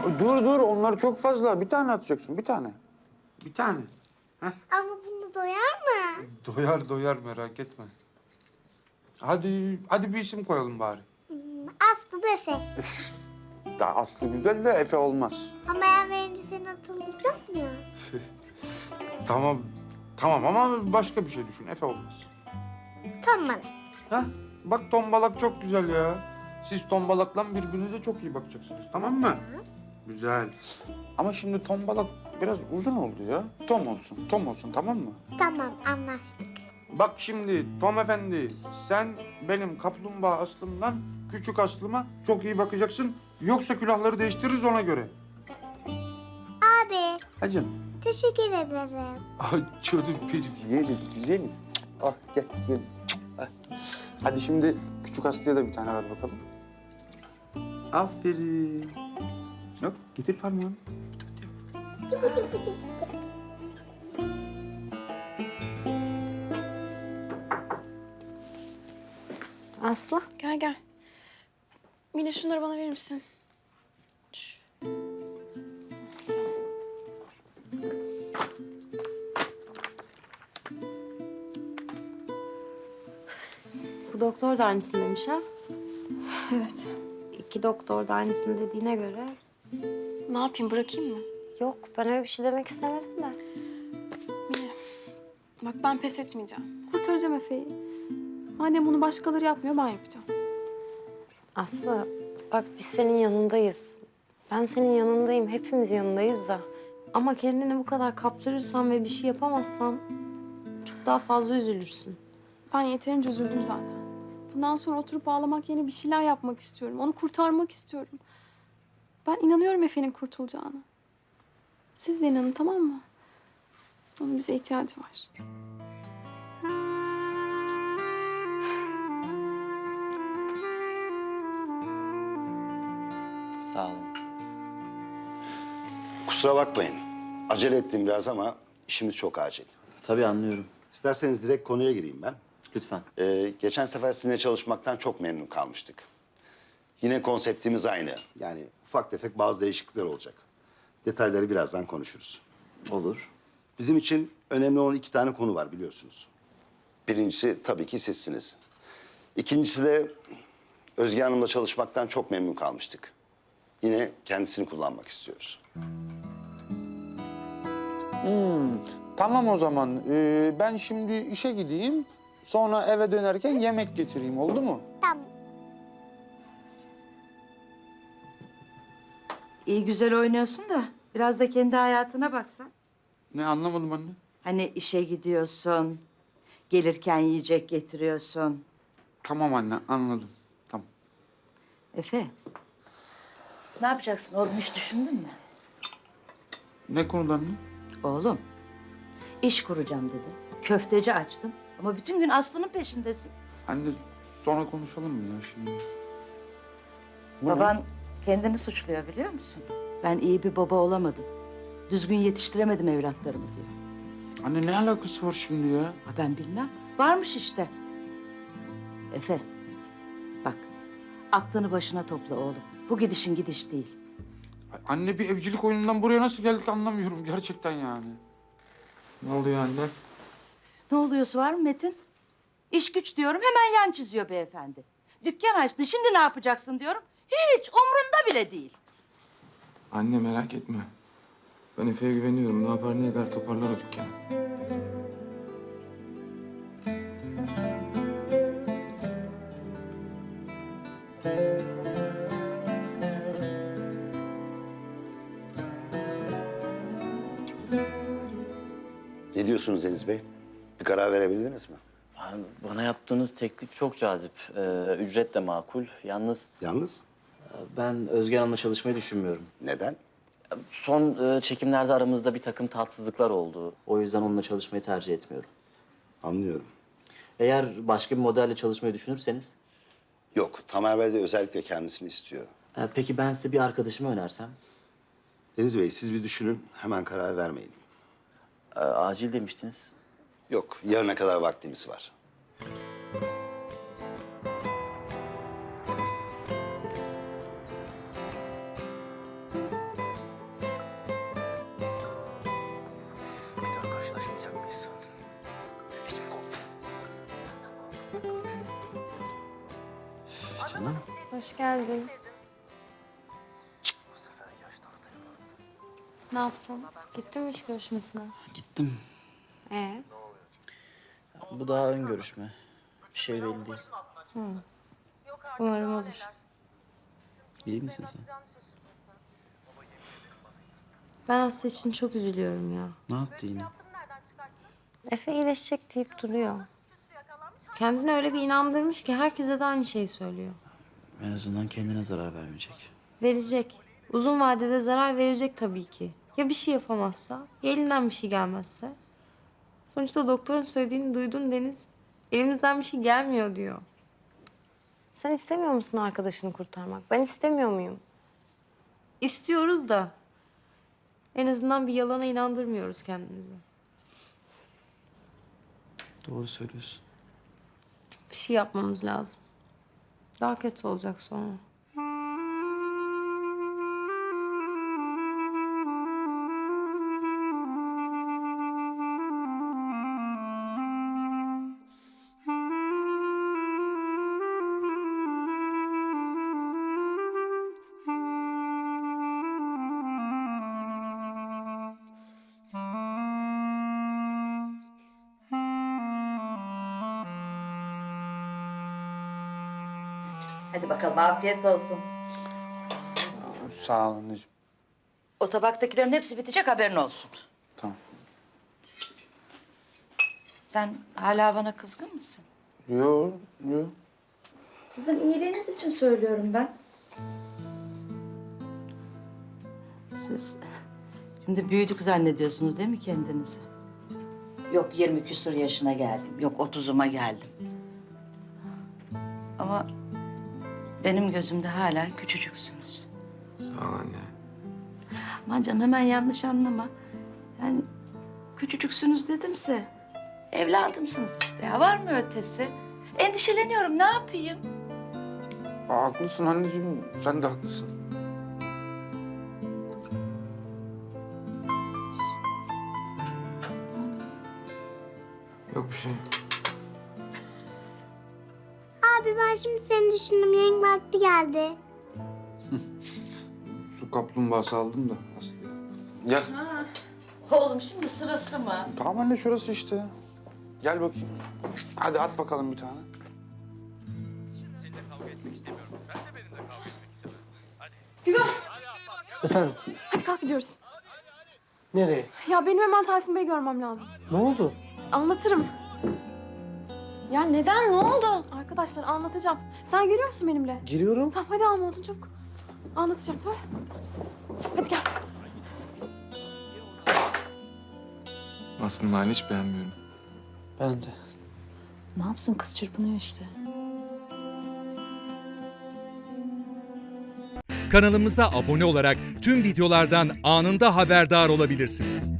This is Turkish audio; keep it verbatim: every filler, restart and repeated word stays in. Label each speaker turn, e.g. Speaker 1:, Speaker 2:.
Speaker 1: Dur dur, onlar çok fazla. Bir tane atacaksın, bir tane. Bir tane. Heh.
Speaker 2: Ama bunu doyar mı?
Speaker 1: Doyar doyar, merak etme. Hadi, hadi bir isim koyalım bari.
Speaker 2: Hmm, Aslı da Efe.
Speaker 1: Daha Aslı güzel de Efe olmaz.
Speaker 2: Ama ben verince senin atılacak mı ya?
Speaker 1: Tamam, tamam ama başka bir şey düşün. Efe olmaz.
Speaker 2: Tamam.
Speaker 1: Heh, bak tombalak çok güzel ya. Siz tombalakla birbirinize çok iyi bakacaksınız, tamam mı? Güzel. Ama şimdi tombalak biraz uzun oldu ya. Tom olsun, Tom olsun, tamam mı?
Speaker 2: Tamam, anlaştık.
Speaker 1: Bak şimdi Tom Efendi, sen benim kaplumbağa Aslım'dan küçük Aslıma çok iyi bakacaksın. Yoksa külahları değiştiririz ona göre.
Speaker 2: Abi,
Speaker 1: Ha canım.
Speaker 2: teşekkür ederim.
Speaker 1: Ay canım benim, yerim, güzelim. Ah gel, gel. Ah. Hadi şimdi küçük Aslı'ya da bir tane ver bakalım. Aferin. Yok, getir parmağını.
Speaker 3: Aslı.
Speaker 4: Gel gel. Mine şunları bana verir misin? Şş. Sağ ol.
Speaker 3: Bu doktor da aynısını demiş ha.
Speaker 4: Evet.
Speaker 3: İki doktor da aynısını dediğine göre.
Speaker 4: Ne yapayım, bırakayım mı?
Speaker 3: Yok, ben öyle bir şey demek istemedim de.
Speaker 4: Mine, bak ben pes etmeyeceğim. Kurtaracağım Efe'yi. Madem bunu başkaları yapmıyor, ben yapacağım.
Speaker 3: Aslı, bak biz senin yanındayız. Ben senin yanındayım, hepimiz yanındayız da. Ama kendini bu kadar kaptırırsan ve bir şey yapamazsan çok daha fazla üzülürsün.
Speaker 4: Ben yeterince üzüldüm zaten. Bundan sonra oturup ağlamak yerine bir şeyler yapmak istiyorum. Onu kurtarmak istiyorum. Ben inanıyorum Efe'nin kurtulacağına. Siz de inanın, tamam mı? Onun bize ihtiyacı var.
Speaker 5: Sağ olun.
Speaker 6: Kusura bakmayın. Acele ettim biraz ama işimiz çok acil.
Speaker 5: Tabii anlıyorum.
Speaker 6: İsterseniz direkt konuya gireyim ben.
Speaker 5: Lütfen.
Speaker 6: Ee, geçen sefer sizinle çalışmaktan çok memnun kalmıştık. Yine konseptimiz aynı. Yani ufak tefek bazı değişiklikler olacak. Detayları birazdan konuşuruz.
Speaker 5: Olur.
Speaker 6: Bizim için önemli olan iki tane konu var biliyorsunuz. Birincisi tabii ki sizsiniz. İkincisi de Özge Hanım'la çalışmaktan çok memnun kalmıştık. Yine kendisini kullanmak istiyoruz.
Speaker 1: Tamam o zaman. Ee, ben şimdi işe gideyim. Sonra eve dönerken yemek getireyim, oldu mu?
Speaker 2: Tamam.
Speaker 7: İyi güzel oynuyorsun da biraz da kendi hayatına baksan.
Speaker 1: Ne, anlamadım anne.
Speaker 7: Hani işe gidiyorsun, gelirken yiyecek getiriyorsun.
Speaker 1: Tamam anne, anladım. Tamam.
Speaker 7: Efe, ne yapacaksın oğlum, hiç düşündün mü?
Speaker 1: Ne konuda anne?
Speaker 7: Oğlum, iş kuracağım dedin, köfteci açtın ama bütün gün Aslı'nın peşindesin.
Speaker 1: Anne sonra konuşalım mı ya şimdi? Bu ne?
Speaker 7: Baban kendini suçluyor biliyor musun? Ben iyi bir baba olamadım, düzgün yetiştiremedim evlatlarımı diyor.
Speaker 1: Anne ne alakası var şimdi ya?
Speaker 7: Ha ben bilmem, varmış işte. Efe, bak aklını başına topla oğlum. Bu gidişin gidiş değil.
Speaker 1: Ay, Anne bir evcilik oyunundan buraya nasıl geldik anlamıyorum gerçekten yani. Ne oluyor anne?
Speaker 7: Ne oluyorsa var mı Metin? İş güç diyorum hemen yan çiziyor beyefendi. Dükkan açtın şimdi ne yapacaksın diyorum. Hiç umrunda bile değil.
Speaker 8: Anne merak etme. Ben Efe'ye güveniyorum. Ne yapar ne eder toparlar o dükkanı.
Speaker 6: Ne diyorsunuz Deniz Bey? Bir karar verebildiniz mi?
Speaker 5: Yani bana yaptığınız teklif çok cazip. Ee, ücret de makul. Yalnız
Speaker 6: Yalnız
Speaker 5: ben Özge Hanım'la çalışmayı düşünmüyorum.
Speaker 6: neden?
Speaker 5: Son e, çekimlerde aramızda bir takım tatsızlıklar oldu. O yüzden onunla çalışmayı tercih etmiyorum.
Speaker 6: Anlıyorum.
Speaker 5: Eğer başka bir modelle çalışmayı düşünürseniz...
Speaker 6: Yok, Tamer Bey de özellikle kendisini istiyor.
Speaker 5: e, peki ben size bir arkadaşımı önersem?
Speaker 6: Deniz Bey siz bir düşünün, hemen karar vermeyin.
Speaker 5: E, acil demiştiniz.
Speaker 6: Yok, yarına kadar vaktimiz var.
Speaker 9: karşılaşmayacak mıyız sandın? Hiç mi korktun?
Speaker 6: Canım.
Speaker 3: Hoş geldin.
Speaker 9: Bu sefer yaş tahtaya bastı.
Speaker 3: Ne yaptın? Gittin mi iş görüşmesine?
Speaker 5: Gittim.
Speaker 3: Ee?
Speaker 5: Bu daha ön görüşme. Bir şey belli değil.
Speaker 3: Umarım olur.
Speaker 5: İyi misin sen?
Speaker 3: Ben Aslı için çok üzülüyorum ya.
Speaker 5: Ne yaptı yine?
Speaker 3: Efe iyileşecek deyip duruyor. Kendini öyle bir inandırmış ki herkese de aynı şeyi söylüyor.
Speaker 5: En azından kendine zarar vermeyecek.
Speaker 3: Verecek. Uzun vadede zarar verecek tabii ki. Ya bir şey yapamazsa, ya elinden bir şey gelmezse. Sonuçta doktorun söylediğini duydun Deniz. Elimizden bir şey gelmiyor diyor. Sen istemiyor musun arkadaşını kurtarmak? Ben istemiyor muyum? İstiyoruz da. En azından bir yalana inandırmıyoruz kendimizi.
Speaker 5: Doğru söylüyorsun.
Speaker 3: Bir şey yapmamız lazım. Daha kötü olacak sonra.
Speaker 7: Hadi bakalım afiyet olsun.
Speaker 1: Sağ ol anneciğim.
Speaker 7: O tabaktakilerin hepsi bitecek haberin olsun.
Speaker 1: Tamam.
Speaker 7: Sen hala bana kızgın mısın?
Speaker 1: Yo, yo.
Speaker 7: Sizin iyiliğiniz için söylüyorum ben. Siz şimdi büyüdük zannediyorsunuz değil mi kendinizi? Yok yirmi küsur yaşına geldim, yok otuzuma geldim. Ama benim gözümde hala küçücüksünüz.
Speaker 8: Sağ ol anne.
Speaker 7: Aman canım hemen yanlış anlama. Yani küçücüksünüz dedimse evladımsınız işte ya. Var mı ötesi? Endişeleniyorum ne yapayım?
Speaker 1: Aa, haklısın anneciğim. Sen de haklısın.
Speaker 8: Yok bir şey.
Speaker 2: Abi ben şimdi seni düşündüm. Yayın vakti geldi.
Speaker 1: Su kaplumbağası aldım da Aslı'ya. Gel.
Speaker 7: Oğlum şimdi sırası mı?
Speaker 1: Tamam anne şurası işte. Gel bakayım. Hadi at bakalım bir tane.
Speaker 9: Efendim,
Speaker 4: Hadi kalk gidiyoruz.
Speaker 9: nereye?
Speaker 4: Ya benim hemen Tayfun Bey'i görmem lazım.
Speaker 9: Ne oldu?
Speaker 4: Anlatırım. Ya neden? Ne oldu? Arkadaşlar anlatacağım. Sen geliyor musun benimle?
Speaker 9: Giriyorum.
Speaker 4: Tamam hadi alma odun çabuk. Anlatacağım tamam. Hadi gel.
Speaker 8: Aslı'nın halini hiç beğenmiyorum.
Speaker 9: Ben de.
Speaker 4: Ne yapsın kız çırpınıyor işte.
Speaker 10: Kanalımıza abone olarak tüm videolardan anında haberdar olabilirsiniz.